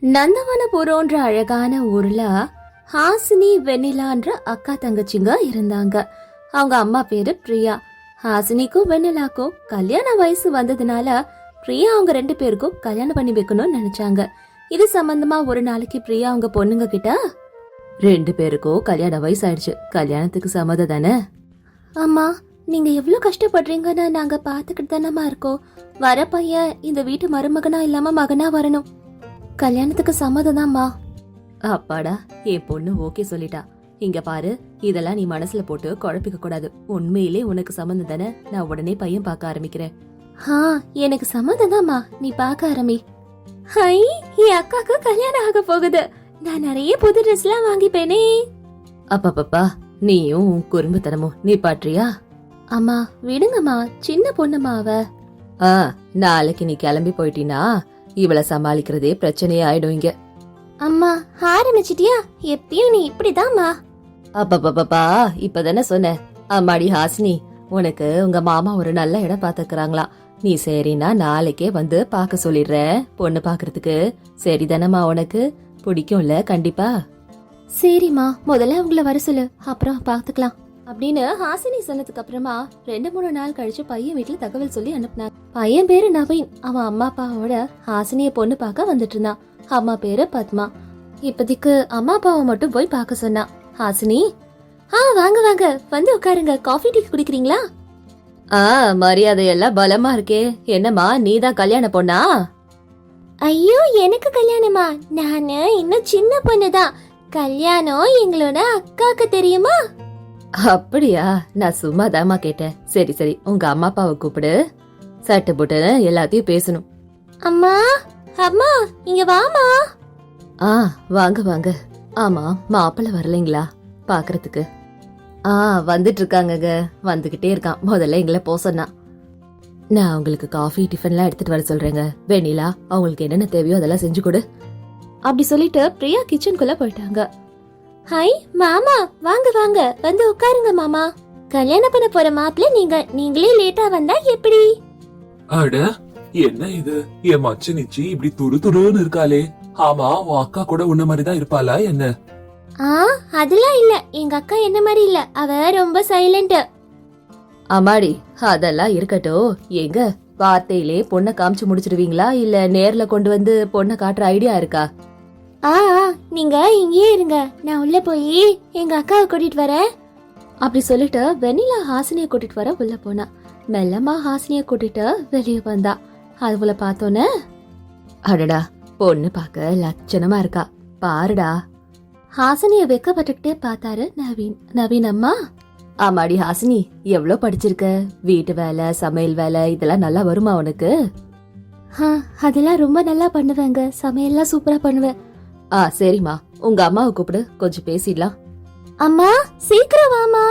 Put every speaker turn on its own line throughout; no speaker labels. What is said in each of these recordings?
நந்தவனபுரம்ன்ற அழகான ஊர்ல ஹாசினி வெண்ணிலான்ற அக்கா தங்கச்சிங்க இருந்தாங்க. அவங்க அம்மா பேரு பிரியா. ஹாசினிக்கும் வெண்ணிலாக்கும் கல்யாண வயசு வந்ததுனால பிரியா அவங்க 2 பேருக்கும் கல்யாணம் பண்ணி வைக்கணும்னு நினைச்சாங்க. இது சம்பந்தமா ஒரு நாளைக்கு பிரியா அவங்க பொண்ணுங்க கிட்ட 2 பேருக்கும் கல்யாண வயசு ஆயிடுச்சு, கல்யாணத்துக்கு சம்மதம் தானே? அம்மா, நீங்க எவ்வளவு கஷ்டப்படுறீங்கன்னு நாங்க பாத்துக்கிட்டு தானமா இருக்கோம். வர பையன் இந்த வீட்டு மருமகனா இல்லாம மகனா வரணும். கல்யாணத்துக்கு சம்மதம் தான்மா. அப்பாடா, என் பொண்ணு ஓகே சொல்லிட்டா. இங்க பாரு, இதெல்லாம் நீ மனசுல போட்டு குழப்பிக்க கூடாது. உண்மையிலே உனக்கு சம்மந்தம் தானே? நான் உடனே பையன் பார்க்க ஆரம்பிக்கிறேன். எனக்கு சம்மதம் தான்மா, நீ பார்க்க ஆரம்பி. ஹை, என் அக்காக்கு கல்யாணம் ஆக போகுது. நான் நிறைய புது ட்ரெஸ் எல்லாம் வாங்கிப்பேனே. அப்பப்பா, நீயும் குறும்புத்தனமும் நீ பாட்றியா? அம்மா விடுங்கம்மா, சின்ன பொண்ணுமா அவ. நாளைக்கு நீ கிளம்பி போயிட்டீனா இவளை சமாளிக்கிறதே பிரச்சனையே ஆயிடும் இங்க. அம்மா ஆரம்பிச்சிட்டியா? எப்பயும் நீ இப்படிதாம்மா. அப்பப்பா, இப்பதானே சொன்ன. அம்மாடி ஹாசினி, உனக்கு உங்க மாமா ஒரு நல்ல இடம் பாத்துக்கிறாங்களா? நீ சரினா நாளைக்கே வந்து பாக்க சொல்லிடுற பொண்ணு பாக்குறதுக்கு. சரிதானம்மா? உனக்கு பிடிக்கும்ல? கண்டிப்பா. சரிம்மா, முதல்ல அவங்கள வர சொல்லு, அப்புறம் பாத்துக்கலாம் அப்படின்னு ஹாசினி சொன்னதுக்கு அப்புறமா 2-3 நாள் கழிச்சு பையன் வீட்டுல தகவல் சொல்லி அனுப்புனாங்க. பையன் பேரு நவீன். அவன் அம்மா அப்பாவோட ஹாசினிய பொண்ணு பார்க்க வந்துட்டு இருந்தான். அம்மா பேரு பத்மா. இப்போதைக்கு அம்மா அப்பாவை மட்டும் போய் பார்க்க சொன்னான். ஹாசினி, வாங்க வாங்க, வந்து உட்காருங்க. காஃபி டீ குடிக்கிறீங்களா? மரியாதை எல்லாம் பலமா இருக்கே. என்னம்மா, நீதான் கல்யாண பொண்ணா? ஐயோ, எனக்கு கல்யாணமா? நானு இன்னும் சின்ன பொண்ணுதான். கல்யாணம் எங்களோட அக்காக்கு தெரியுமா? அப்படியா? நான் சும்மா தாமா கேட்டேன். சரி சரி, உங்க அம்மா அப்பாவை கூப்பிடு. சட்டு புட்டு எல்லாத்தையும் பேசணும். அம்மா, அம்மா இங்க வாமா. வாங்க வாங்க. ஆமா, மாப்பிள்ள வரலைங்களா பாக்குறதுக்கு? வந்துட்டு இருக்காங்க, வந்துகிட்டே இருக்கான். முதல்ல எங்களை போ சொன்னா. நான் உங்களுக்கு காஃபி டிஃபன்லாம் எடுத்துட்டு வர சொல்றேங்க. வெண்ணிலா, அவங்களுக்கு என்னென்ன தேவையோ அதெல்லாம் செஞ்சு கொடு அப்படி சொல்லிட்டு பிரியா கிச்சனுக்குள்ள போயிட்டாங்க. ஹாய் மாமா, வாங்க வாங்க, வந்து உட்காருங்க மாமா. கல்யாணம் பண்ண போற மாப்பிள்ள நீங்களே லேட்டா வந்தா எப்படி?
அட, என்ன இது? என் மச்சனிச்சி இப்படி துரு துருன்னு இருக்காளே. ஆமா, உன் அக்கா கூட உன்ன மாதிரிதான் இருப்பாளா என்ன?
அதெல்லாம் இல்ல, எங்க அக்கா என்ன மாதிரி இல்ல. அவ ரொம்ப சைலண்ட். அம்மாடி, அதெல்லாம் இருக்கட்டும். எங்க வார்த்தையிலே பொண்ணை காமிச்சு முடிச்சிடுவீங்களா, இல்ல நேர்ல கொண்டு வந்து பொண்ணை காட்டுற ஐடியா இருக்கா? நீங்க இங்கேயே இருங்க, நான் உள்ள போய் எங்க அக்காவை கூட்டிட்டு வரேன் அப்படி சொல்லிட்டு வெண்ணிலா ஹாசினிய கூட்டிட்டு வர உள்ள போனா. மெல்லமா ஹாசினிய கூட்டிட்டு வெளியே வந்தா. அதுல பார்த்தோன்னு, அடடா, பொண்ணு பார்க்க லட்சணமா இருக்கா பாருடா. ஹாசினிய வெக்கப்பட்டுக்கிட்டே பார்த்தாரு நவீன். நவீன் அம்மா, ஆமாடி ஹாசினி, எவ்வளவு படிச்சிருக்க? வீட்டு வேலை, சமையல் வேலை இதெல்லாம் நல்லா வருமா உனக்கு? அதெல்லாம் ரொம்ப நல்லா பண்ணுவேங்க. சமையல்லாம் சூப்பரா பண்ணுவேன். சரிம்மா, உங்க அம்மாவை கூப்பிடு, கொஞ்சம் பேசிடலாம். அம்மா சீக்கிரம் வாமா.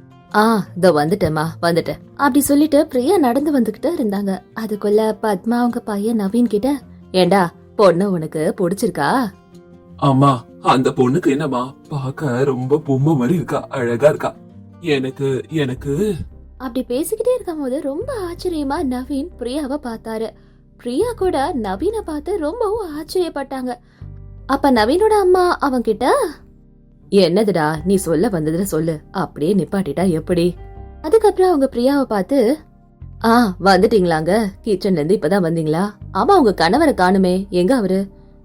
இதோ வந்துட்டேம்மா, வந்துட்டேன் அப்படி சொல்லிட்டு பிரியா நடந்து வந்துகிட்டு இருந்தாங்க. அதுக்குள்ள பத்மா அவங்க பையன் நவீன் கிட்ட, ஏண்டா பொண்ணு உனக்கு பிடிச்சிருக்கா?
அம்மா, அந்த பொண்ணுக்கு என்னம்மா, பார்க்க ரொம்ப பொம்மை மாதிரி இருக்கா, அழகா இருக்கா. எனக்கு எனக்கு
அப்படி பேசிக்கிட்டே இருக்கும் போது ரொம்ப ஆச்சரியமா நவீன் பிரியாவை பார்த்தாரு. பிரியா கூட நவீனை பார்த்து ரொம்பவும் ஆச்சரியப்பட்டாங்க. அப்ப நவீனோட அம்மா அவங்க கிட்ட, என்னதுடா நீ சொல்ல வந்ததுல சொல்லு, அப்படியே நிப்பாட்டிட்டா எப்படி? அதுக்கப்புறம் அவங்க பிரியாவை பார்த்து, வந்துட்டீங்களாங்க, கிச்சன்ல இருந்து இப்பதான் வந்தீங்களா? ஆமா, உங்க கணவரை காணுமே, எங்க அவரு?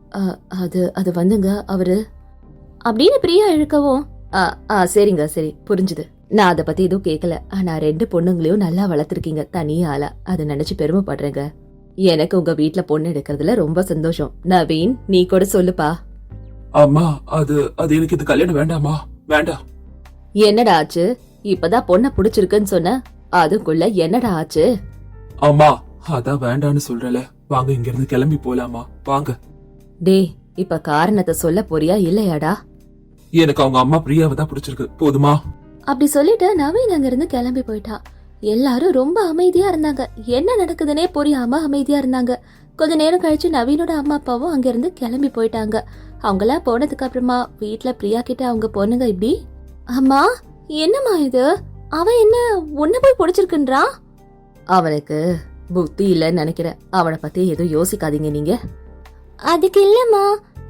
அது வந்துங்க அவரு அப்படின்னு பிரியா இழுக்கவும், சரிங்க சரி, புரிஞ்சுது. நான் அத பத்தி எதுவும் கேட்கல. ஆனா 2 பொண்ணுங்களையும் நல்லா வளர்த்திருக்கீங்க, தனியால. அதை நினைச்சு பெருமைப்படுறேங்க. எனக்கு உங்க வீட்டுல பொண்ணு எடுக்கிறதுல ரொம்ப சந்தோஷம். நவீன், நீ கூட சொல்லுப்பா.
அம்மா, அது எனக்கு இது கல்யாணம் வேண்டாமா? வேண்டாம்.
என்னடா ஆச்சு? இப்பதான் பொண்ண புடிச்சிருக்குன்னு சொன்ன, அதுக்குள்ள என்னடா ஆச்சு?
அம்மா, அதான் வேண்டான்னு சொல்றல. வாங்க, இங்க இருந்து கிளம்பி போலாமா? வாங்க.
டேய், இப்ப காரணத்தை சொல்ல போறியா இல்லையாடா?
எனக்கு அவங்க அம்மா பிரியாவை தான் பிடிச்சிருக்கு, போதுமா?
அப்படி சொல்லிட்டு நவீன் அங்க இருந்து கிளம்பி போயிட்டான். எல்லாரும் ரொம்ப அமைதியா இருந்தாங்க. என்ன நடக்குதுன்னே புரியாம அமைதியா இருந்தாங்க. கொஞ்ச நேரம் கழிச்சு நவீனோட அம்மா அப்பாவும் அங்க இருந்து கிளம்பி போயிட்டாங்க. அவங்களா போனதுக்கு அப்புறமா வீட்டுல பிரியா கிட்ட அவங்க பொண்ணுங்க இப்படி, அம்மா என்னம்மா இது? அவன் என்ன உன்ன போய் பிடிச்சிருக்குன்றான்? அவனுக்கு புத்தி இல்லன்னு நினைக்கிறேன். அவனை பத்தி எதுவும் யோசிக்காதீங்க நீங்க. அதுக்கு இல்லம்மா,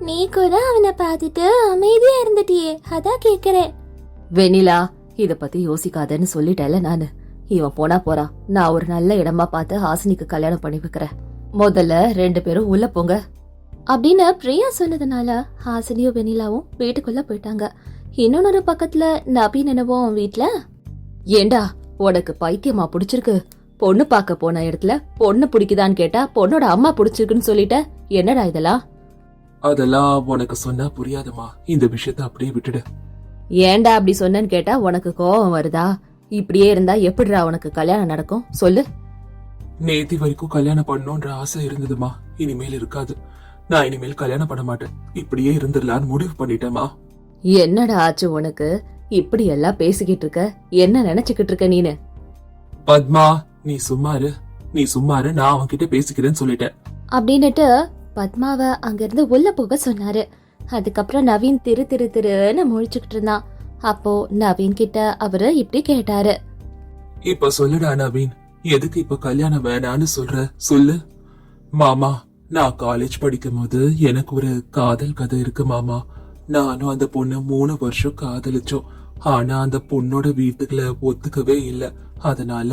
நீ கூட அவனை பார்த்துட்டு அமைதியா இருந்துட்டியே, அதான் கேக்குறேன். வெண்ணிலா, இத பத்தி யோசிக்காதன்னு சொல்லிட்டேல நானு. இவன் போனா போறா, நான் ஒரு நல்ல இடமா பார்த்து ஹாசினிக்கு கல்யாணம் பண்ணி வைக்கிறேன். முதல்ல 2 பேரும் உள்ள போங்க அப்படின்னு பிரியா சொன்னதுனால ஹாசினியும் வெண்ணிலாவும் வீட்டுக்குள்ள போயிட்டாங்க. இன்னொரு பக்கத்துல நவீன் என்னவும் வீட்ல, ஏண்டா உனக்கு பைத்தியமா புடிச்சிருக்கு? பொண்ணு பார்க்க போன இடத்துல பொண்ணு பிடிக்குதான்னு கேட்டா பொண்ணோட அம்மா பிடிச்சிருக்குன்னு சொல்லிட்ட, என்னடா இதெல்லாம்?
அதெல்லாம் உனக்கு சொன்னா புரியாதுமா, இந்த விஷயத்த அப்படியே விட்டுடு.
ஏண்டா அப்படி சொன்னேன்னு கேட்டா உனக்கு கோபம் வருதா? இப்படியே இருந்தா எப்படிடா உனக்கு கல்யாணம் நடக்கும் சொல்லு.
நேத்தி வரைக்கும் கல்யாணம் பண்ணணும்ன்ற ஆசை இருந்ததுமா, இனிமேல் இருக்காது. நான் இனிமேல் கல்யாணம் பண்ண மாட்டேன், இப்படியே இருந்துடலான்னு முடிவு பண்ணிட்டேமா.
என்னடா ஆச்சு உனக்கு? இப்படி எல்லாம் பேசிக்கிட்டு இருக்க, என்ன நினைச்சுக்கிட்டு இருக்க நீனு?
பத்மா, நீ சும்மாரு, நான் அவன்கிட்ட பேசிக்கிறேன்னு சொல்லிட்டேன்
அப்படின்னுட்டு பத்மாவை அங்கிருந்து உள்ள போக சொன்னாரு. அதுக்கப்புறம் நவீன் திருன்னு முழிச்சுக்கிட்டு இருந்தான். அப்போ நவீன் கிட்ட அவரு இப்படி கேட்டாரு,
இப்ப சொல்லுடா நவீன், எதுக்கு இப்ப கல்யாணம் வேணான்னு சொல்ற? சொல்லு. மாமா, நான் காலேஜ் படிக்கும் போது எனக்கு ஒரு காதல் கதை இருக்கு மாமா. நானும் அந்த பொண்ணு 3 வருஷம் காதலிச்சோம். ஆனா அந்த பொண்ணோட வீட்டுக்குள்ள ஒத்துக்கவே இல்ல. அதனால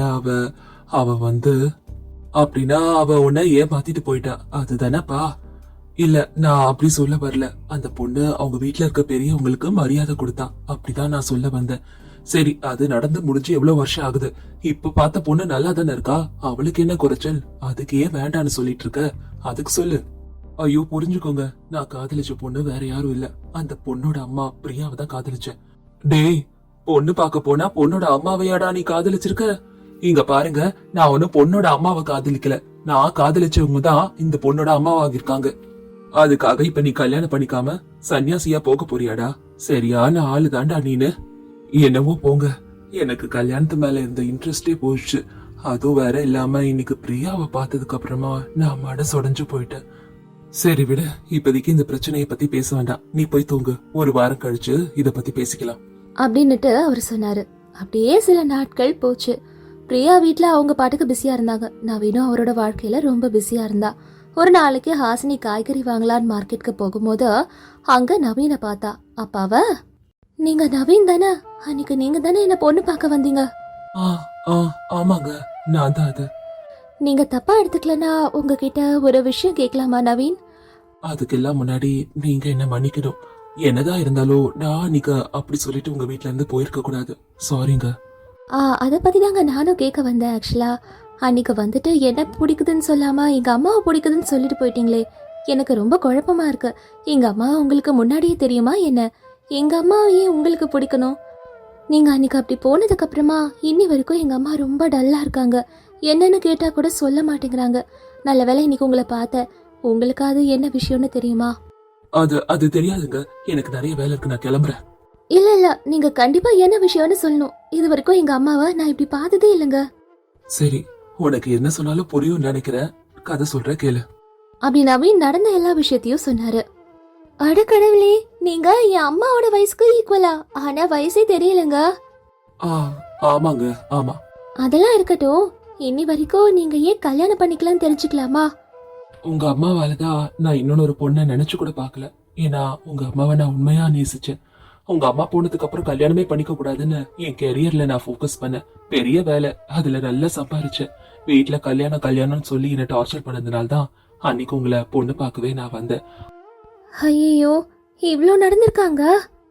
அவ வந்து அப்படின்னா அவ உன்னை ஏமாத்திட்டு போயிட்டா, அதுதானப்பா? இல்ல, நான் அப்படி சொல்ல வரல. அந்த பொண்ணு அவங்க வீட்டுல இருக்க பெரியவங்களுக்கு மரியாதை கொடுத்தா, அப்படிதான் நான் சொல்ல வந்தேன். சரி, அது நடந்து முடிஞ்சு எவ்வளவு வருஷம் ஆகுது. இப்ப பார்த்த பொண்ணு நல்லா தானே இருக்கா, அவளுக்கு என்ன குறைச்சல்? அதுக்கு ஏன் வேண்டான்னு சொல்லிட்டு இருக்க? அதுக்கு சொல்லு. ஐயோ புரிஞ்சுக்கோங்க, நான் காதலிச்ச பொண்ணு வேற யாரும் இல்ல, அந்த பொண்ணோட அம்மா பிரியாவை தான் காதலிச்சேன். டேய், பொண்ணு பார்க்க போனா பொண்ணோட அம்மாவையாடா நீ காதலிச்சிருக்க? இங்க பாருங்க, நான் ஒன்னும் பொண்ணோட அம்மாவை காதலிக்கல. நான் காதலிச்சவங்க தான் இந்த பொண்ணோட அம்மாவாகிருக்காங்க. அதுக்காக இப்ப நீ கல்யாணம் பண்ணிக்காம சன்னியாசியா போக போறியாடா? சரியான ஆளு தாண்டா நீனு. என்னவோ போங்க, எனக்கு கல்யாணத்து மேல இருந்த இன்ட்ரெஸ்டே போயிடுச்சு. அதுவும் வேற இல்லாம இன்னைக்கு பிரியாவை பார்த்ததுக்கு அப்புறமா நான் மனசொடைஞ்சு போயிட்டேன். சரி விட, இப்போதைக்கு இந்த பிரச்சனைய பத்தி பேச வேண்டாம், நீ போய் தூங்கு. ஒரு வாரம் கழிச்சு இத பத்தி பேசிக்கலாம்
அப்படின்னுட்டு அவர் சொன்னாரு. அப்படியே சில நாட்கள் போச்சு. பிரியா வீட்ல அவங்க பாட்டுக்கு பிஸியா இருந்தாங்க. நவீனும் அவரோட வாழ்க்கையில ரொம்ப பிஸியா இருந்தா. ஒரு நாளைக்கு ஹாசினி காய்கறி வாங்கலான்னு மார்க்கெட்டுக்கு போகும்போது அங்க நவீனை பார்த்தா. அப்பாவ, நீங்க நவீன் தானே? அன்னைக்கு நீங்க தானே என்ன பொண்ணு பார்க்க வந்தீங்க?
ஆமாங்க, நான் தான். அது
நீங்க தப்பா எடுத்துக்கலனா உங்ககிட்ட ஒரு விஷயம் கேட்கலாமா நவீன்?
அதுக்கெல்லாம் முன்னாடி நீங்க என்ன மன்னிக்கணும். என்னதான் இருந்தாலும் நான் அன்னைக்கு அப்படி சொல்லிட்டு உங்க வீட்ல இருந்து போயிருக்க கூடாது. சாரிங்க.
அத பத்தி தாங்க நானும் கேட்க வந்தேன். ஆக்சுவலா அன்னைக்கு வந்துட்டு என்ன பிடிக்குதுன்னு சொல்லாம எங்க அம்மாவை பிடிக்குதுன்னு சொல்லிட்டு போயிட்டீங்களே, எனக்கு ரொம்ப குழப்பமா இருக்கு. எங்க அம்மா உங்களுக்கு முன்னாடியே தெரியுமா என்ன? எங்க அம்மாவையே உங்களுக்கு பிடிக்கணும்? நீங்க அன்னைக்கு அப்படி போனதுக்கு அப்புறமா இன்னி வரைக்கும் எங்க அம்மா ரொம்ப டல்லா இருக்காங்க. என்னன்னு கேட்டா கூட சொல்ல மாட்டேங்கிறாங்க. நல்ல வேளை இன்னைக்கு உங்களை பார்த்தேன். உங்களுக்கு அது என்ன விஷயம்னு தெரியுமா?
அது தெரியாதுங்க, எனக்கு நிறைய வேலை இருக்கு, நான் கிளம்புறேன்.
இல்ல, நீங்க கண்டிப்பா என்ன விஷயம்னு சொல்லணும். இது வரைக்கும் எங்க அம்மாவை நான் இப்படி பார்த்ததே இல்லைங்க.
சரி, உனக்கு என்ன சொன்னாலும் புரியும் நினைக்கிறேன், கதை சொல்ற கேளு.
அப்படி நவீன் நடந்த எல்லா விஷயத்தையும் சொன்னாரு. அட கடவுளே, நீங்க என் அம்மாவோட வயசுக்கு ஈக்குவலா? ஆனா வயசே தெரியலங்க.
ஆமாங்க, ஆமா.
அதெல்லாம் இருக்கட்டும், இன்னி வரைக்கும் நீங்க ஏன் கல்யாணம் பண்ணிக்கலாம்னு தெரிஞ்சுக்கலாமா?
உங்க அம்மாவாலதான் நான் இன்னொரு பொண்ணை நினைச்சு கூட பாக்கல. ஏன்னா உங்க அம்மாவை நான் உண்மையா நேசிச்சேன். உங்க அம்மா போனதுக்கு அப்புறம் கல்யாணமே பண்ணிக்க கூடாதுன்னு என் கெரியர்ல நான் போக்கஸ் பண்ணேன். பெரிய வேலை, அதுல நல்லா சம்பாரிச்சேன். வீட்டுல கல்யாணம்னு சொல்லி என்ன டார்ச்சர் பண்ணதுனால்தான் அன்னைக்கு உங்களை பொண்ணு பார்க்கவே நான் வந்தேன்.
ஐயோ, இவ்ளோ நடந்திருக்காங்க?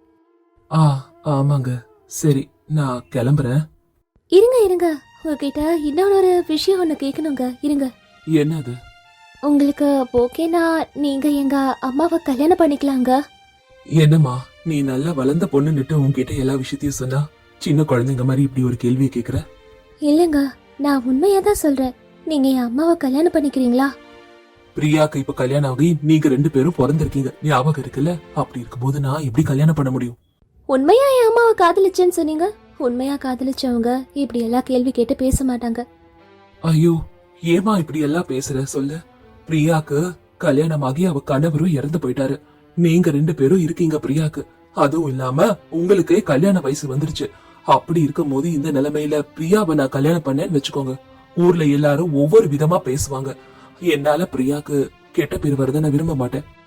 ஆமாங்க. சரி, நான் கிளம்புறேன்.
இருங்க, உங்ககிட்ட இன்னொரு விஷயம் ஒண்ணு கேட்கணுங்க. இருங்க.
என்னது?
உங்களுக்கு ஓகேனா நீங்க எங்க அம்மாவை கல்யாணம் பண்ணிக்கலாங்க?
என்னம்மா, நீ நல்லா வளர்ந்த பொண்ணுன்னுட்டு உன்கிட்ட எல்லா விஷயத்தையும் சொன்னா சின்ன குழந்தைங்க மாதிரி இப்படி ஒரு கேள்வியை கேக்குற?
இல்லங்க, நான் உண்மையா தான் சொல்றேன். நீங்க என் அம்மாவை கல்யாணம் பண்ணிக்கிறீங்களா?
பிரியாக்கு இப்ப கல்யாணம் ஆகி நீங்க 2 பேரும் பிறந்திருக்கீங்க, ஞாபகம் இருக்குல்ல? அப்படி இருக்கும்போது நான் எப்படி கல்யாணம் பண்ண முடியும்?
உண்மையா என் அம்மாவை காதலிச்சேன்னு சொன்னீங்க. உண்மையா காதலிச்சவங்க இப்படி எல்லாம் கேள்வி கேட்டு பேச மாட்டாங்க.
ஐயோ, ஏமா இப்படி எல்லாம் பேசுற? சொல்லு. பிரியாக்கு கல்யாணம் ஆகி அவ கணவரும் இறந்து போயிட்டாரு. நீங்க 2 பேரும் இருக்கீங்க பிரியாக்கு. அதுவும் இல்லாம உங்களுக்கு கல்யாண வயசு வந்துருச்சு. அப்படி இருக்கும் போது இந்த நிலைமையில பிரியாவை நான் கல்யாணம் பண்ணேன்னு வச்சுக்கோங்க, ஊர்ல எல்லாரும் ஒவ்வொரு விதமா பேசுவாங்க. என்னால பிரியாக்கு கெட்ட பேர் வருத நான் விரும்ப மாட்டேன்.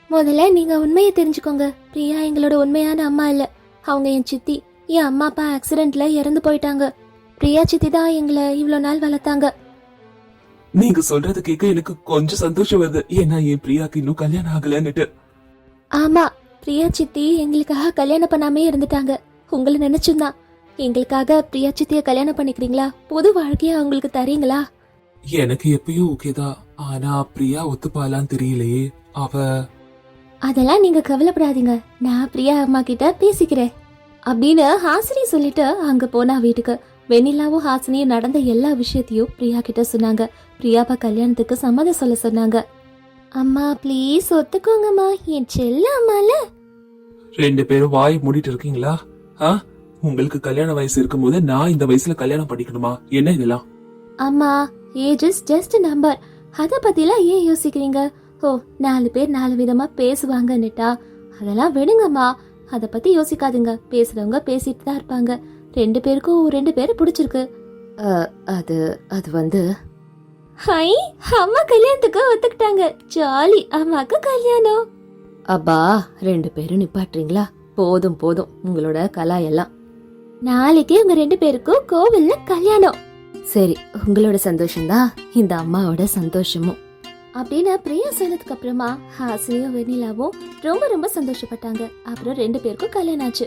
முதல்ல நீங்க உண்மையை தெரிஞ்சுக்கோங்க. பிரியா எங்களோட உண்மையான அம்மா இல்ல. அவங்க என் சித்தி. என் அம்மா அப்பா ஆக்சிடென்ட்ல இறந்து போயிட்டாங்க. பிரியா சித்தி தான் எங்களை இவ்வளவு நாள் வளர்த்தாங்க.
நீங்க சொல்றது கேட்க எனக்கு கொஞ்சம் சந்தோஷம் வருது. ஏன்னா என் பிரியாக்கு இன்னும் கல்யாணம் ஆகலன்னுட்டு.
ஆமா, பிரியா சித்தி எங்களுக்காக கல்யாணம் பண்ணாமே இருந்துட்டாங்க. உங்களை நினைச்சுதான். எங்களுக்காக பிரியா சித்திய கல்யாணம் பண்ணிக்கிறீங்களா? புது வாழ்க்கைய அவங்களுக்கு தரீங்களா?
எனக்கு எப்பயும் ஓகேதான். ஆனா பிரியா ஒத்துப்பாலான்னு தெரியலையே. அவ
அதெல்லாம் நீங்க கவலைப்படாதீங்க. நான் பிரியா அம்மா கிட்ட பேசிக்கிறேன் அப்படின்னு ஹாசினி சொல்லிட்டு அங்க போனா வீட்டுக்கு. வெண்ணிலாவும் ஹாசினியும் நடந்த எல்லா விஷயத்தையும் பிரியா கிட்ட சொன்னாங்க. பிரியாவை கல்யாணத்துக்கு சம்மதம் சொல்ல சொன்னாங்க. அம்மா ப்ளீஸ் ஒத்துக்கோங்கம்மா, என் செல்ல அம்மால.
2 பேரும் வாய் மூடிட்டு இருக்கீங்களா? உங்களுக்கு கல்யாண வயசு இருக்கும்போது நான் இந்த வயசுல கல்யாணம் பண்ணிக்கணுமா? என்ன இதெல்லாம்?
அம்மா, ஏஜ் இஸ் ஜஸ்ட் நம்பர். அத பத்திலாம் ஏன் யோசிக்கிறீங்க? ஓ, 4 பேர் 4 விதமா பேசுவாங்கன்னுட்டா அதெல்லாம் விடுங்கம்மா. அத பத்தி யோசிக்காதுங்க. பேசுறவங்க பேசிட்டு தான் இருப்பாங்க. 2 பேருக்கும் 2 பேரை பிடிச்சிருக்கு. அது வந்து ஹை, அம்மா கல்யாணத்துக்கு ஒத்துக்கிட்டாங்க. ஜாலி, அம்மாக்கு கல்யாணம். அப்பா 2 பேரும் நிப்பாட்டுறீங்களா? போதும் போதும் உங்களோட கலாயெல்லாம். நாளைக்கு உங்க 2 பேருக்கும் கோவில்ல கல்யாணம். சரி, உங்களோட சந்தோஷம்தான் இந்த அம்மாவோட சந்தோஷமும் அப்படின்னு பிரியா சொன்னதுக்கு அப்புறமா ஹாசினியும் வெண்ணிலாவும் ரொம்ப ரொம்ப சந்தோஷப்பட்டாங்க. அப்புறம் 2 பேருக்கும் கல்யாணம் ஆச்சு.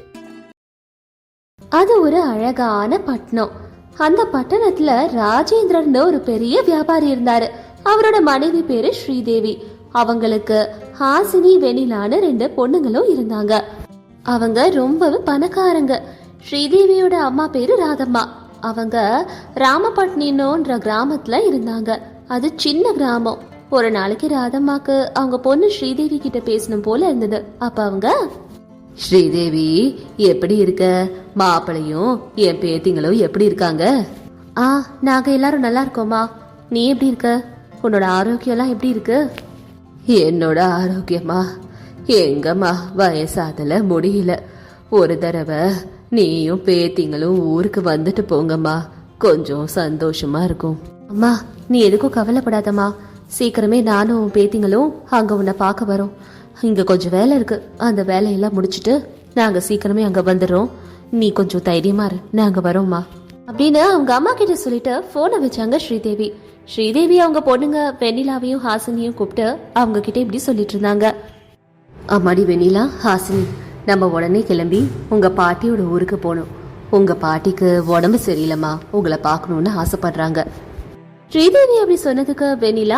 அது ஒரு அழகான பட்டணம். அந்த பட்டணத்துல ராஜேந்திரன் ஒரு பெரிய வியாபாரி இருந்தாரு. அவரோட மனைவி பேரு ஸ்ரீதேவி. அவங்களுக்கு ஹாசினி வெண்ணிலான்னு 2 பொண்ணுங்களும் இருந்தாங்க. அவங்க ரொம்பவே பணக்காரங்க. ஸ்ரீதேவியோட அம்மா பேரு ராதம்மா. அவங்க ராமபட்னின்ற கிராமத்துல இருந்தாங்க. அது சின்ன கிராமம். ஒரு நாளைக்கு ராதம்மாக்கு அவங்க பொண்ணு ஸ்ரீதேவி கிட்ட பேசணும் போல இருந்தது. அப்ப அவங்க, ஸ்ரீதேவி எப்படி இருக்க? மாப்பிளையும் என் பேத்திங்களும் எப்படி இருக்காங்க? நாங்க எல்லாரும் நல்லா இருக்கோமா. நீ எப்படி இருக்க? உன்னோட ஆரோக்கியம் எல்லாம் எப்படி இருக்கு? என்னோட ஆரோக்கியமா எங்கம்மா, வயசாதல முடியல. ஒரு தடவை நீயும் பேத்திங்களும் ஊருக்கு வந்துட்டு போங்கம்மா, கொஞ்சம் சந்தோஷமா இருக்கும். அம்மா நீ எதுக்கும் கவலைப்படாதம்மா. சீக்கிரமே நானும் பேத்திங்களும் அங்க உன்னை பார்க்க வரோம். இங்க கொஞ்சம் வேலை இருக்கு. அந்த வேலையெல்லாம் முடிச்சிட்டு நாங்க சீக்கிரமே அங்க வந்துடுறோம். நீ கொஞ்சம் தைரியமா இரு, நாங்க வரோம்மா அப்படின்னு அவங்க அம்மா கிட்ட சொல்லிட்டு போனை வச்சாங்க ஸ்ரீதேவி. ஸ்ரீதேவி அவங்க பொண்ணுங்க வெண்ணிலாவையும் ஹாசினியும் கூப்பிட்டு அவங்க கிட்ட இப்படி சொல்லிட்டு இருந்தாங்க. அம்மாடி வெண்ணிலா, ஹாசினி, நம்ம உடனே கிளம்பி உங்க பாட்டியோட ஊருக்கு போகணும். உங்க பாட்டிக்கு உடம்பு சரியில்லைம்மா, உங்களை பார்க்கணும்னு ஆசைப்படுறாங்க. ஸ்ரீதேவி அப்படி சொன்னதுக்கு வெண்ணிலா,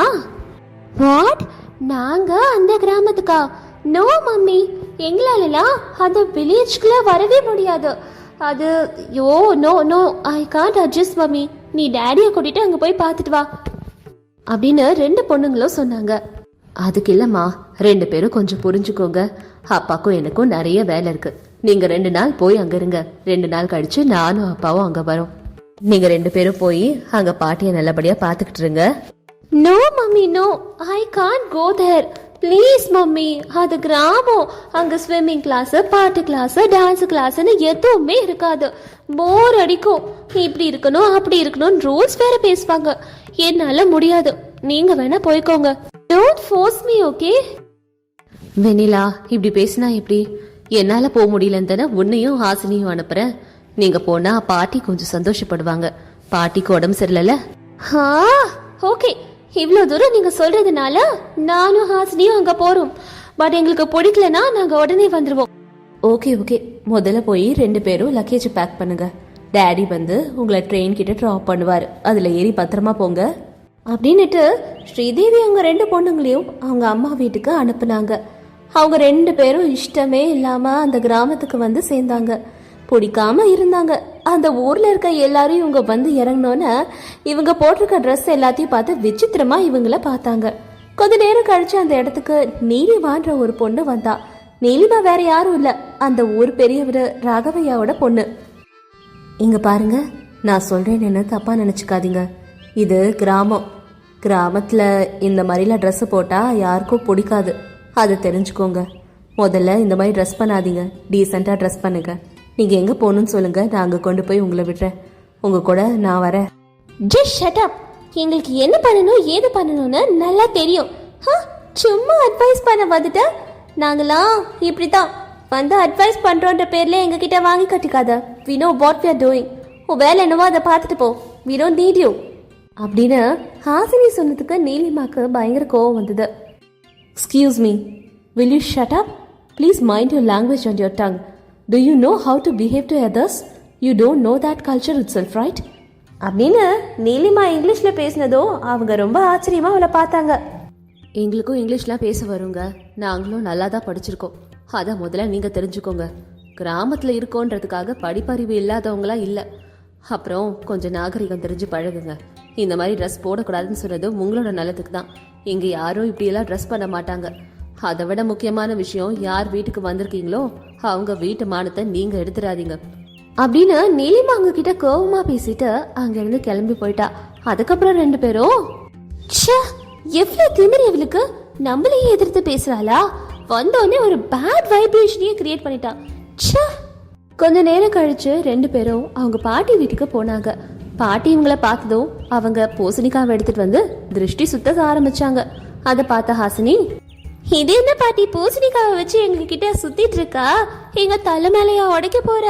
வாட், நாங்க அந்த கிராமத்துக்கா? நோ மம்மி, எங்களாலலாம் அந்த வில்லேஜ்க்குள்ள வரவே முடியாது. அது yo no no, I can't adjust mummy. நீ டேடியை கூட்டிட்டு அங்க போய் பார்த்துட்டு வா அப்படின்னு 2 பொண்ணுங்களும் சொன்னாங்க. அதுக்கு இல்லம்மா, 2 பேரும் கொஞ்சம் புரிஞ்சுக்கோங்க. அப்பாக்கும் எனக்கும் நிறைய வேலை இருக்கு. நீங்க 2 நாள் போய் அங்க இருங்க. 2 நாள் கழிச்சு நானும் அப்பாவும் அங்க வரோம். நீங்க 2 பேரும் போய் அங்க பாட்டிய நல்லபடியா பாத்துக்கிட்டு இருங்க. No mummy, no, I can't go there. Please mummy, அது கிராமம். அங்க ஸ்விம்மிங் கிளாஸ், பாட்டு கிளாஸ், டான்ஸ் கிளாஸ்னு எதுவுமே இருக்காது. போர் அடிக்கும். இப்படி இருக்கணும் அப்படி இருக்கணும் ரூல்ஸ் வேற பேசுவாங்க. என்னால முடியாது. நீங்க வேணா போய்க்கோங்க. Don't force me, okay? Vennila, இப்படி பேசினா எப்படி? என்னால போக முடியலன்னு தானே உன்னையும் ஹாசினியும் அனுப்புறேன். நீங்க போனா பாட்டி கொஞ்சம் சந்தோஷப்படுவாங்க. பாட்டிக்கு உடம்பு சரியில்லைல்ல. ஓகே, இவ்வளவு தூரம் நீங்க சொல்றதுனால நானும் ஹாசினியும் அங்க போறோம். பட் எங்களுக்கு பிடிக்கலனா நாங்க உடனே வந்துருவோம். ஓகே ஓகே, முதல்ல போய் 2 பேரும் லக்கேஜ் பேக் பண்ணுங்க. டேடி வந்து உங்களை ட்ரெயின் கிட்ட ட்ராப் பண்ணுவாரு. அதுல ஏறி பத்திரமா போங்க அப்படின்னுட்டு ஸ்ரீதேவி அவங்க 2 பொண்ணுங்களையும் அவங்க அம்மா வீட்டுக்கு அனுப்புனாங்க. அவங்க 2 பேரும் இஷ்டமே இல்லாம அந்த கிராமத்துக்கு வந்து சேர்ந்தாங்க. பிடிக்காம இருந்தாங்க. அந்த ஊர்ல இருக்க எல்லாரும் இவங்க வந்து இறங்கினோன்னு இவங்க போட்டிருக்க ட்ரெஸ் எல்லாத்தையும் பார்த்து விசித்திரமா இவங்கள பார்த்தாங்க. கொஞ்ச நேரம் கழிச்சு அந்த இடத்துக்கு நீலிமான்ற ஒரு பொண்ணு வந்தா. நீலிமா வேற யாரும் இல்ல, அந்த ஊர் பெரியவர் ராகவையாவோட பொண்ணு. இங்க பாருங்க, நான் சொல்றேன், என்ன தப்பா நினைச்சுக்காதீங்க. இது கிராமம். கிராமத்துல இந்த மாதிரிலாம் ட்ரெஸ் போட்டா யாருக்கும் பிடிக்காது, அதை தெரிஞ்சுக்கோங்க. முதல்ல இந்த மாதிரி ட்ரெஸ் பண்ணாதீங்க, டீசெண்டா ட்ரெஸ் பண்ணுங்க. நீங்க எங்க போகணும்னு சொல்லுங்க, நான் அங்க கொண்டு போய் உங்களை விடுறேன். உங்க கூட நான் வரேன். Just shut up. எங்களுக்கு என்ன பண்ணணும் ஏது பண்ணணும்னு நல்லா தெரியும். சும்மா அட்வைஸ் பண்ண வந்துட்டு நாங்களாம் இப்படிதான் வந்து அட்வைஸ் பண்றோன்ற பேர்ல எங்க கிட்ட வாங்கி கட்டிக்காத. we know what we are doing. உன் வேலை என்னவோ அதை பார்த்துட்டு போ. we don't need you அப்படின்னு ஹாசினி சொன்னதுக்கு நீலிமாக்கு பயங்கர கோவம் வந்தது. Excuse me, will you shut up? Please mind your language and your tongue. Do you know how to behave to others? You don't know that culture itself, right? அப்படின்னு நீலிமா இங்கிலீஷ்ல பேசினதோ அவங்க ரொம்ப ஆச்சரியமா அவளை பார்த்தாங்க. எங்களுக்கும் இங்கிலீஷ்லாம் பேச வருங்க, நாங்களும் நல்லா தான் படிச்சிருக்கோம். அதை முதல்ல நீங்க தெரிஞ்சுக்கோங்க. கிராமத்துல இருக்கோன்றதுக்காக படிப்பறிவு இல்லாதவங்களா இல்லை. அப்புறம் கொஞ்சம் நாகரிகம் தெரிஞ்சு பழகுங்க. இந்த மாதிரி ட்ரெஸ் போடக்கூடாதுன்னு சொன்னது உங்களோட நல்லதுக்கு தான். இங்கே யாரும் இப்படியெல்லாம் ட்ரெஸ் பண்ண மாட்டாங்க. அதை விட முக்கியமான விஷயம், யார் வீட்டுக்கு வந்திருக்கீங்களோ அவங்க வீட்டு மானத்தை நீங்க எடுத்துடாதீங்க அப்படின்னு நீலிமா அவங்க கிட்ட கோவமா பேசிட்டு அங்கிருந்து கிளம்பி போயிட்டா. அதுக்கப்புறம் ரெண்டு பேரும் எவ்வளவு திமிரி அவளுக்கு, நம்மளையே எதிர்த்து பேசுறாளா, வந்தோடனே ஒரு பேட் வைப்ரேஷனையே கிரியேட் பண்ணிட்டா. கொஞ்ச நேரம் கழிச்சு ரெண்டு பேரும் அவங்க பாட்டி வீட்டுக்கு போனாங்க. பாட்டி இவங்களை பார்த்ததும் அவங்க பூசணிக்காவை எடுத்துட்டு வந்து திருஷ்டி சுத்த ஆரம்பிச்சாங்க. அதை பார்த்த ஹாசினி, இது என்ன பாட்டி பூசணிக்காவை வச்சு எங்க கிட்ட சுத்திட்டு இருக்கா, எங்க தலை மேலையா உடைக்க போற?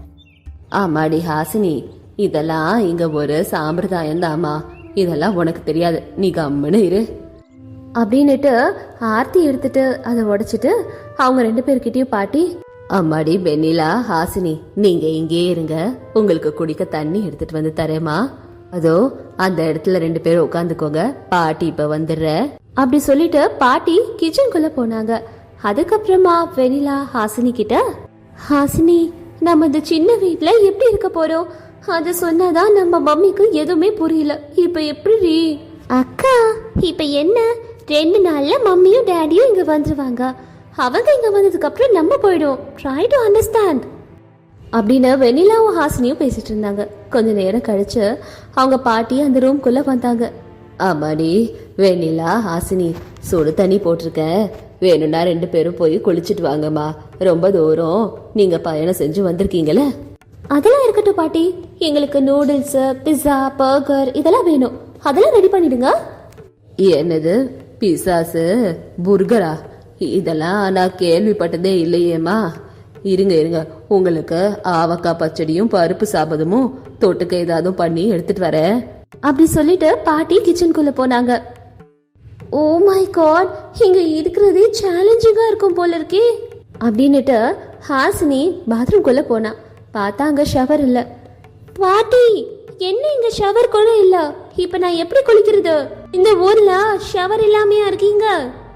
ஆமாடி ஹாசினி, இதெல்லாம் இங்க ஒரு சாம்பிரதாயம் தாமா, இதெல்லாம் உனக்கு தெரியாது, நீ கம்முன்னு இரு அப்படின்னுட்டு ஆர்த்தி எடுத்துட்டு அதை உடைச்சிட்டு அவங்க ரெண்டு பேர்கிட்டயும் பாட்டி, அம்மாடி வெண்ணிலா, ஹாசினி, நீங்க இங்கே இருங்க, உங்களுக்கு குடிக்க தண்ணி எடுத்துட்டு வந்து தரேமா, அதோ அந்த இடத்துல ரெண்டு பேரும் உட்காந்துக்கோங்க, பாட்டி இப்ப வந்துடுற அப்படி சொல்லிட்டு பாட்டி கிச்சனுக்குள்ள போனாங்க. அதுக்கப்புறமா வெண்ணிலா ஹாசினி கிட்ட, ஹாசினி, நம்ம இந்த சின்ன வீட்ல எப்படி இருக்க போறோம், அது சொன்னாதான் நம்ம மம்மிக்கு எதுவுமே புரியல, இப்ப எப்படி? அக்கா, இப்ப என்ன, 2 நாள்ல மம்மியும் டேடியும் இங்க வந்துருவாங்க, அவங்க இங்க வந்ததுக்கு அப்புறம் நம்ம போயிடும், ட்ரை டு அண்டர்ஸ்டாண்ட் அப்படின்னு வெண்ணிலாவும் ஹாசினியும் பேசிட்டு இருந்தாங்க. கொஞ்ச நேரம் கழிச்சு அவங்க பாட்டி அந்த ரூம்குள்ள வந்தாங்க. ஆமாடி வெண்ணிலா, ஹாசினி, சுடு தண்ணி போட்டிருக்க, வேணும்னா ரெண்டு பேரும் போய் குளிச்சுட்டு வாங்கம்மா, ரொம்ப தூரம் நீங்க பயணம் செஞ்சு வந்திருக்கீங்களே. அதெல்லாம் இருக்கட்டும் பாட்டி, எங்களுக்கு நூடுல்ஸ், பிஸ்ஸா, பர்கர் இதெல்லாம் வேணும், அதெல்லாம் ரெடி பண்ணிடுங்க. என்னது பிசாசு, புர்கரா, இதெல்லாம் நான் கேள்விப்பட்டதே இல்லையேம்மா. இருங்க இருங்க, உங்களுக்கு ஆவக்காய் பச்சடியும் பருப்பு சாபதமும் தொட்டுக்க ஏதாவது பண்ணி எடுத்துட்டு வரேன் அப்படி சொல்லிட்டு பாட்டி கிச்சனுக்குள்ள போனாங்க. ஓ மை காட், இங்க இருக்கிறதே சேலஞ்சிங்கா இருக்கும் போல இருக்கே அப்படின்னுட்டு ஹாசினி பாத்ரூம்குள்ள போனா. பார்த்தா அங்க ஷவர் இல்ல. பாட்டி, என்ன இங்க ஷவர் கூட இல்ல, இப்ப நான் எப்படி குளிக்கிறது, இந்த ஊர்ல ஷவர் இல்லாமையா இருக்கீங்க?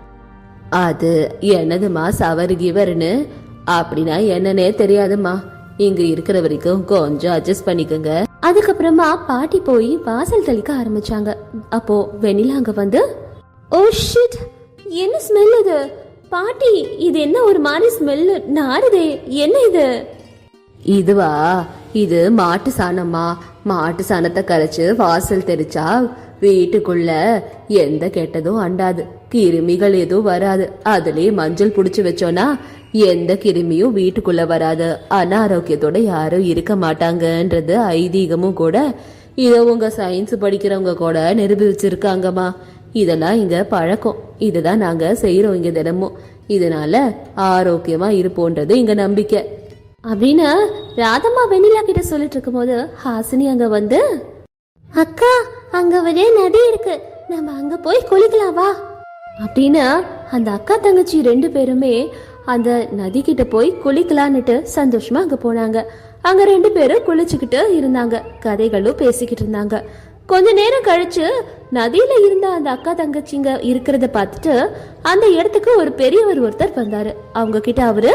அது என்னதுமா ஷவர் கிவர்னு, அப்படின்னா என்னன்னே தெரியாதுமா, இங்க இருக்கிற வரைக்கும் கொஞ்சம் அட்ஜஸ்ட் பண்ணிக்கோங்க. அதுக்கப்புறமா பாட்டி போய் வாசல் தெளிக்க ஆரம்பிச்சாங்க. அப்போ வெண்ணிலா அங்க வந்து, ஓ ஷிட், என்ன ஸ்மெல் இது பாட்டி, இது என்ன ஒரு மாதிரி ஸ்மெல் நாறுதே, என்ன இது? இதுவா, இது மாட்டு சாணம்மா, மாட்டு சாணத்தை கரைச்சு வாசல் தெளிச்சா வீட்டுக்குள்ள எந்த கெட்டதும் அண்டாது, கிருமிகள் எதுவும் வராது, அதுலயே மஞ்சள் புடிச்சு வச்சோன்னா எந்த கிருமியும் வீட்டுக்குள்ள வராது, அனாரோக்கியத்தோட யாரும் இருக்க மாட்டாங்கன்றது ஐதீகமும் கூட. இத உங்க சயின்ஸ் படிக்கிறவங்க கூட நிரூபிச்சிருக்காங்கம்மா. இதெல்லாம் இங்க பழக்கம், இதுதான் நாங்க செய்யறோம் இங்க தினமும், இதனால ஆரோக்கியமா இருப்போன்றது இங்க நம்பிக்கை அப்படின்னு ராதம்மா வெண்ணிலா கிட்ட சொல்லிட்டு இருக்கும் போது ஹாசினி அங்க வந்து, அக்கா, அங்க ஒரே நதி இருக்கு, நம்ம அங்க போய் குளிக்கலாம் வா அப்படின்னு அந்த அக்கா தங்கச்சி ரெண்டு பேருமே அந்த நதி கிட்ட போய் குளிக்கலான்னுட்டு சந்தோஷமா அங்க போனாங்க. அங்க ரெண்டு பேரும் குளிச்சுக்கிட்டு இருந்தாங்க, கதைகளும் பேசிக்கிட்டு இருந்தாங்க. கொஞ்ச நேரம் கழிச்சு நதியில இருந்த அந்த அக்கா தங்கச்சிங்க இருக்கிறத பார்த்துட்டு அந்த இடத்துக்கு ஒரு பெரியவர் ஒருத்தர் வந்தாரு. அவங்க கிட்ட அவரு,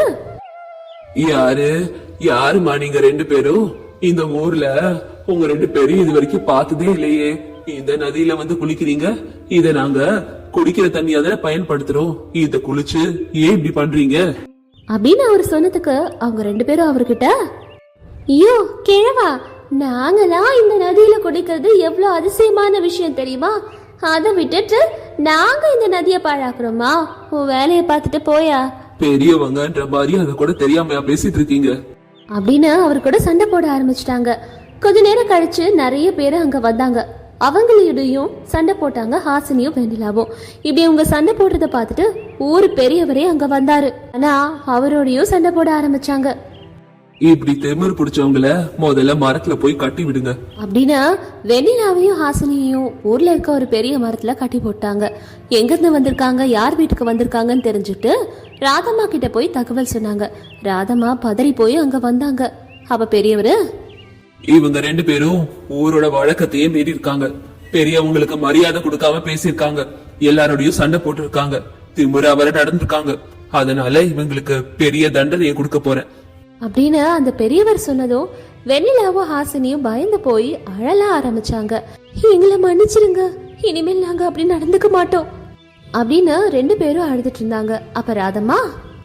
யாருமா நீங்க ரெண்டு பேரும், இந்த ஊர்ல உங்க ரெண்டு பேரும் இது வரைக்கும் பார்த்ததே இல்லையே, இந்த நதியில வந்து குளிக்கிறீங்க, இத நாங்க குடிக்கிற தண்ணியா தானே பயன்படுத்துறோம், இத குளிச்சு ஏன் இப்படி பண்றீங்க
அப்படின்னு அவர் சொன்னதுக்கு அவங்க ரெண்டு பேரும் அவர்கிட்ட, ஐயோ கிழவா, நாங்களாம் இந்த நதியில குடிக்கிறது எவ்வளவு அதிசயமான விஷயம் தெரியுமா, அதை விட்டுட்டு நாங்க இந்த நதியை பாழாக்குறோமா, உன் வேலையை பார்த்துட்டு போயா,
பெரியவங்கன்ற மாதிரி அத கூட தெரியாமையா பேசிட்டு இருக்கீங்க அப்படின்னு
அவர் கூட சண்டை போட ஆரம்பிச்சிட்டாங்க. கொஞ்ச நேரம் கழிச்சு நிறைய பேரு அங்க வந்தாங்க. அவங்களையும் சண்டை போட்டாங்க ஹாசினியும் வெண்ணிலாவும். இப்படி அவங்க சண்டை போடுறத பார்த்துட்டு ஊர் பெரியவரே அங்க வந்தாரு. ஆனா அவரோடையும் சண்டை போட ஆரம்பிச்சாங்க.
இப்படி திமிரு பிடிச்சவங்கள முதல்ல மரத்துல போய் கட்டி விடுங்க
அப்படின்னா வெண்ணிலாவையும் ஹாசினியையும் ஊர்ல இருக்க ஒரு பெரிய மரத்துல கட்டி போட்டாங்க. எங்க இருந்து வந்திருக்காங்க, யார் வீட்டுக்கு வந்திருக்காங்கன்னு தெரிஞ்சுட்டு ராதம்மா கிட்ட போய் தகவல் சொன்னாங்க. ராதம்மா பதறி போய் அங்க வந்தாங்க. அப்ப பெரியவரு,
இவங்க 2 பேரும் ஊரோட வழக்கத்தையே மீறி இருக்காங்க. பெரியவங்களுக்கு மரியாதை கொடுக்காம பேசியிருக்காங்க. எல்லாரோடையும் சண்டை போட்டு இருக்காங்க. திமுறா வர நடந்திருக்காங்க. அதனால இவங்களுக்கு பெரிய தண்டனையை கொடுக்க போறேன்
அப்படின்னு அந்த பெரியவர் சொன்னதும் வெண்ணிலாவும் ஹாசினியும் பயந்து போய் அழல ஆரம்பிச்சாங்க. எங்களை மன்னிச்சிருங்க, இனிமேல் நாங்க அப்படி நடந்துக்க மாட்டோம் அப்படின்னு 2 பேரும் அழுதுட்டு இருந்தாங்க. அப்ப ராதம்மா,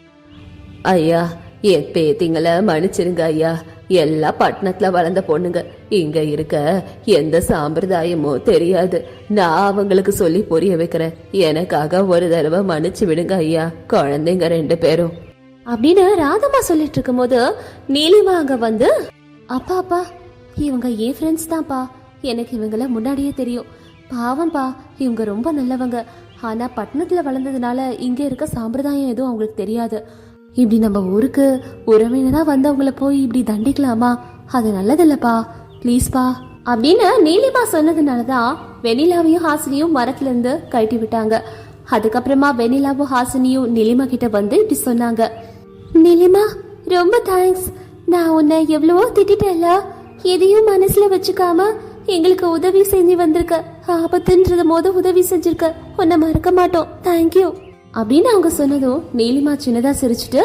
ஐயா என் பேத்திங்களை மன்னிச்சிருங்க ஐயா. எல்லா பட்டணத்துல வளர்ந்த பொண்ணுங்க, இங்க இருக்க எந்த சாம்பிரதாயமும் தெரியாது. நான் அவங்களுக்கு சொல்லி புரிய வைக்கிறேன். எனக்காக ஒரு தடவை மன்னிச்சு விடுங்க ஐயா, குழந்தைங்க 2 பேரும் அப்படின்னு ராதம்மா சொல்லிட்டு இருக்கும் போது நீலிமா அங்க வந்து, அப்பா அப்பா இவங்க என் ஃப்ரெண்ட்ஸ் தான்ப்பா, எனக்கு இவங்கள முன்னாடியே தெரியும். பாவம்பா, இவங்க ரொம்ப நல்லவங்க. ஆனா பட்டணத்துல வளர்ந்ததுனால இங்க இருக்க சாம்பிரதாயம் எதுவும் அவங்களுக்கு தெரியாது. இப்படி நம்ம ஊருக்கு உறவினரா வந்தவங்கள போய் இப்படி தண்டிக்கலாமா? அது நல்லதில்லப்பா, ப்ளீஸ்பா அப்படின்னு நீலிமா சொன்னதுனாலதான் வெண்ணிலாவையும் ஹாசினியும் மரத்துல இருந்து கழட்டி விட்டாங்க. அதுக்கப்புறமா வெண்ணிலாவும் ஹாசினியும் நீலிமா கிட்ட வந்து இப்படி சொன்னாங்க. நீலிமா, ரொம்ப தேங்க்ஸ். நான் உன்னை எவ்வளவோ திட்டல, எதையும் மனசுல வச்சுக்காம எங்களுக்கு உதவி செஞ்சு வந்திருக்க. ஆபத்துன்றது போது உதவி செஞ்சிருக்க, உன்னை மறக்க மாட்டோம். தேங்க்யூ அப்படின்னு அவங்க சொன்னதும் நீலிமா சின்னதா சிரிச்சுட்டு,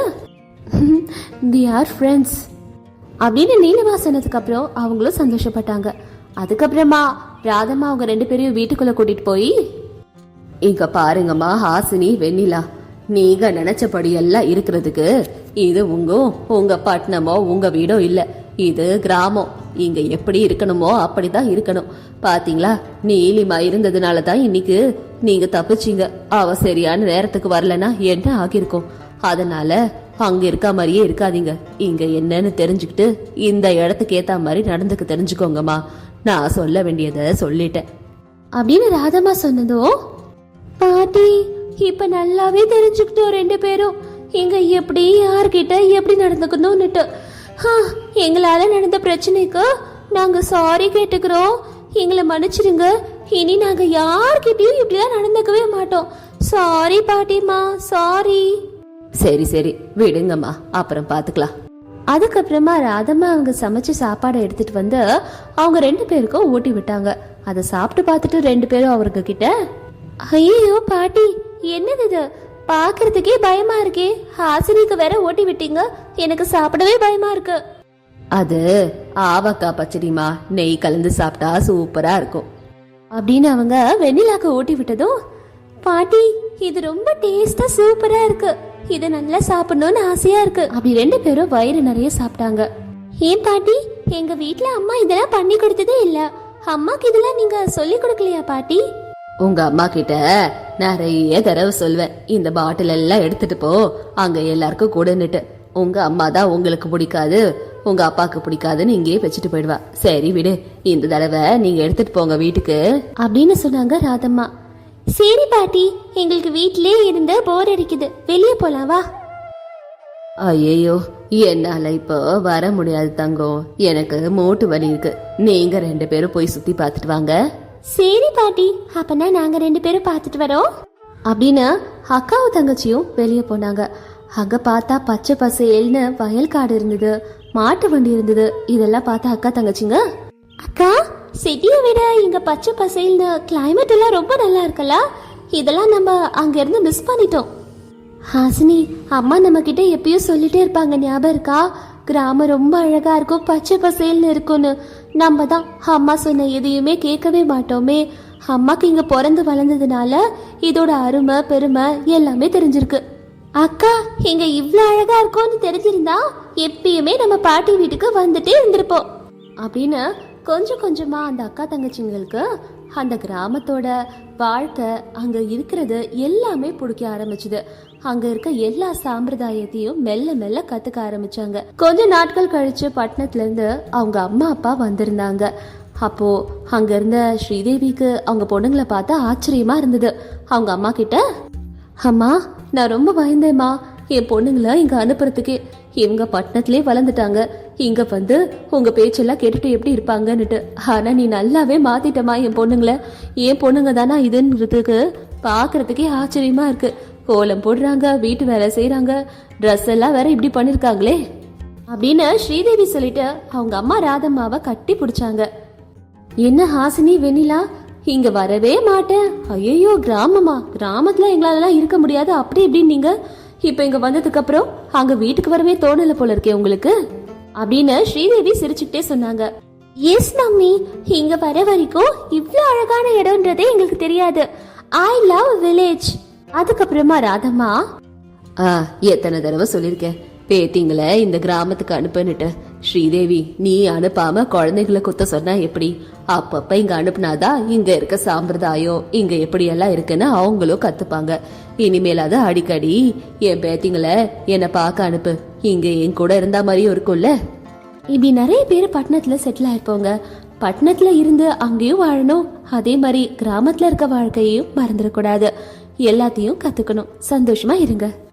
வி ஆர் ஃப்ரெண்ட்ஸ் அப்படின்னு நீலிமா சொன்னதுக்கு அப்புறம் அவங்களும் சந்தோஷப்பட்டாங்க. அதுக்கப்புறமா ராதம்மா அவங்க 2 பேரையும் வீட்டுக்குள்ள கூட்டிட்டு போய், இங்க பாருங்கம்மா ஹாசினி, வெண்ணிலா, நீங்க நினைச்சபடி எல்லாம் இருக்கிறதுக்கு இது உங்க பட்டணமோ உங்க வீடோ இல்ல, இது கிராமம். இங்க எப்படி இருக்கணுமோ அப்படிதான் இருக்கணும். பாத்தீங்களா, நீலிமா இருந்ததுனால தான் இன்னைக்கு நீங்க தப்பிச்சீங்க. அவ சரியான நேரத்துக்கு வரலன்னா என்ன ஆகிருக்கும். அதனால அங்க இருக்க மாதிரியே இருக்காதீங்க. இங்க என்னன்னு தெரிஞ்சுக்கிட்டு இந்த இடத்துக்கு ஏத்த மாதிரி நடந்துக்க தெரிஞ்சுக்கோங்கம்மா. நான் சொல்ல வேண்டியதை சொல்லிட்டேன் அப்படின்னு ராதம்மா சொன்னதும், பாட்டி இப்ப நல்லாவே தெரிஞ்சுக்கிட்டோம் 2 பேரும் இங்க எப்படி யார்கிட்ட எப்படி நடந்துக்கணும்னுட்டு. எங்களால நடந்த பிரச்சனைக்கு நாங்க சாரி கேட்டுக்கிறோம். எங்களை மன்னிச்சிருங்க. இனி நாங்க யார்கிட்டயும் இப்படிலாம் நடந்துக்கவே மாட்டோம். சாரி பாட்டிமா, சாரி. சரி சரி விடுங்கம்மா, அப்புறம் பாத்துக்கலாம். அதுக்கப்புறமா ராதம்மா அவங்க சமைச்ச சாப்பாடை எடுத்துட்டு வந்து அவங்க 2 பேருக்கும் ஊட்டி விட்டாங்க. அதை சாப்பிட்டு பார்த்துட்டு 2 பேரும் அவருக்கு கிட்ட, ஐயோ பாட்டி, என்னது இது, பாக்குறதுக்கே பயமா இருக்கே. ஹாசினிக்கு வேற ஓட்டி விட்டீங்க, எனக்கு சாப்பிடவே பயமா இருக்கு. அது ஆவக்காய் பச்சடிமா, நெய் கலந்து சாப்பிட்டா சூப்பரா இருக்கும் அப்படின்னு அவங்க வெண்ணிலாக்கு ஊட்டி விட்டதும், பாட்டி இது ரொம்ப டேஸ்டா சூப்பரா இருக்கு, இது நல்லா சாப்பிடணும்னு ஆசையா இருக்கு அப்படி 2 பேரும் வயிறு நிறைய சாப்பிட்டாங்க. ஏன் பாட்டி, எங்க வீட்டுல அம்மா இதெல்லாம் பண்ணி கொடுத்ததே இல்ல. அம்மாக்கு இதெல்லாம் நீங்க சொல்லி கொடுக்கலையா பாட்டி? உங்க அம்மா கிட்ட நிறைய தடவை சொல்வேன், இந்த பாட்டில் எல்லாம் எடுத்துட்டு போ, அங்க எல்லாருக்கும் கொடுன்னுட்டு. உங்க அம்மா தான் உங்களுக்கு பிடிக்காது, உங்க அப்பாக்கு பிடிக்காதுன்னு இங்கேயே வச்சுட்டு போயிடுவா. சரி விடு, இந்த தடவை நீங்க எடுத்துட்டு போங்க வீட்டுக்கு அப்படின்னு சொன்னாங்க ராதம்மா. சரி பாட்டி, எங்களுக்கு வீட்டிலே இருந்து போர் அடிக்குது, வெளியே போலாம் வா. ஐயோ, என்னால இப்போ வர முடியாது தங்கம், எனக்கு மூட்டு வலி இருக்கு. நீங்க 2 பேரும் போய் சுத்தி பார்த்துட்டு வாங்க. சரி பாட்டி, அப்பனா நாங்க 2 பேரும் பார்த்துட்டு வரோம் அப்படின்னு அக்காவும் தங்கச்சியும் வெளியே போனாங்க. அங்க பார்த்தா பச்சை பசேல்னு வயல் காடு இருந்தது, மாட்டு வண்டி இருந்தது. இதெல்லாம் பார்த்தா அக்கா தங்கச்சிங்க, அக்கா சிட்டியை விட இங்க பச்சை பசேல்னு கிளைமேட் எல்லாம் ரொம்ப நல்லா இருக்கல, இதெல்லாம் நம்ம அங்க இருந்து மிஸ் பண்ணிட்டோம். ஹாசினி, அம்மா நம்ம கிட்ட எப்பயும் சொல்லிட்டே இருப்பாங்க, ஞாபகம் இருக்கா? கிராமம் ரொம்ப அழகா இருக்கும், பச்சை பசேல்னு இருக்கும்னு. நம்ம தான் அம்மா சொன்ன எதையுமே கேட்கவே மாட்டோமே. அம்மாக்கு இங்க பிறந்து வளர்ந்ததுனால இதோட அருமை பெருமை எல்லாமே தெரிஞ்சிருக்கு. அக்கா இங்க இவ்ளோ அழகா இருக்கும்னு தெரிஞ்சிருந்தா எப்பயுமே நம்ம பாட்டி வீட்டுக்கு வந்துட்டே இருந்திருப்போம் அப்படின்னு கொஞ்சம் கொஞ்சமா அந்த அக்கா தங்கச்சிங்களுக்கு அந்த கிராமத்தோட வாழ்க்கை, அங்க இருக்கிறது எல்லாமே பிடிக்க ஆரம்பிச்சுது. அங்க இருக்க எல்லா சாம்பிரதாயத்தையும் மெல்ல மெல்ல கத்துக்க ஆரம்பிச்சாங்க. கொஞ்ச நாட்கள் கழிச்சு பட்டணத்துல இருந்து அவங்க அம்மா அப்பா வந்திருந்தாங்க. அப்போ அங்க இருந்த ஸ்ரீதேவிக்கு அவங்க பொண்ணுங்களை பார்த்தா ஆச்சரியமா இருந்தது. அவங்க அம்மா கிட்ட, அம்மா நான் ரொம்ப பயந்தேம்மா, என் பொண்ணுங்களை இங்க அனுப்புறதுக்கு. இவங்க பட்டணத்திலே வளர்ந்துட்டாங்க, இங்க வந்து உங்க பேச்செல்லாம் கேட்டுட்டு எப்படி இருப்பாங்கன்னுட்டு. ஆனா நீ நல்லாவே மாத்திட்டமா என் பொண்ணுங்களை. என் பொண்ணுங்க தானா இதுன்றதுக்கு பாக்குறதுக்கே ஆச்சரியமா இருக்கு. கோலம் போடுறாங்க, வீட்டு வேலை செய்யறாங்க, ட்ரெஸ் எல்லாம் வேற இப்படி பண்ணிருக்காங்களே அப்படின்னு ஸ்ரீதேவி சொல்லிட்டு அவங்க அம்மா ராதம்மாவை கட்டி பிடிச்சாங்க. என்ன ஹாசினி, வெண்ணிலா இங்க வரவே மாட்டேன், ஐயோ கிராமத்துல எங்களால இருக்க முடியாது அப்படி இப்படின்னு நீங்க இப்ப இங்க வந்ததுக்கு அப்புறம் அங்க வீட்டுக்கு வரவே தோணல போல இருக்கே உங்களுக்கு அப்படின்னு ஸ்ரீதேவி சிரிச்சுக்கிட்டே சொன்னாங்க. எஸ் மம்மி, இங்க வர வரைக்கும் இவ்ளோ அழகான இடம்ன்றதே எங்களுக்கு தெரியாது. I love village. அதுக்கப்புறமா ராதம்மா, எத்தனை தடவை சொல்லிருக்கேன் பேத்திங்களை இந்த கிராமத்துக்கு அனுப்புன்னுட்டு. ஸ்ரீதேவி, நீ அனுப்பாம குழந்தைகளை குத்த சொன்னா எப்படி? அப்பப்ப இங்க அனுப்புனாதான் இங்க இருக்க சாம்பிரதாயம் இங்க எப்படி எல்லாம் இருக்குன்னு அவங்களும் கத்துப்பாங்க. இனிமேலாவது அடிக்கடி என் பேத்திங்களை என்னை பார்க்க அனுப்பு, இங்க என் கூட இருந்தா மாதிரியும் இருக்கும்ல. இப்படி நிறைய பேர் பட்டணத்துல செட்டில் ஆயிருப்போங்க. பட்டணத்துல இருந்து அங்கேயும் வாழணும், அதே மாதிரி கிராமத்துல இருக்க வாழ்க்கையையும் மறந்துடக்கூடாது. எல்லாத்தையும் கத்துக்கணும். சந்தோஷமா இருங்க.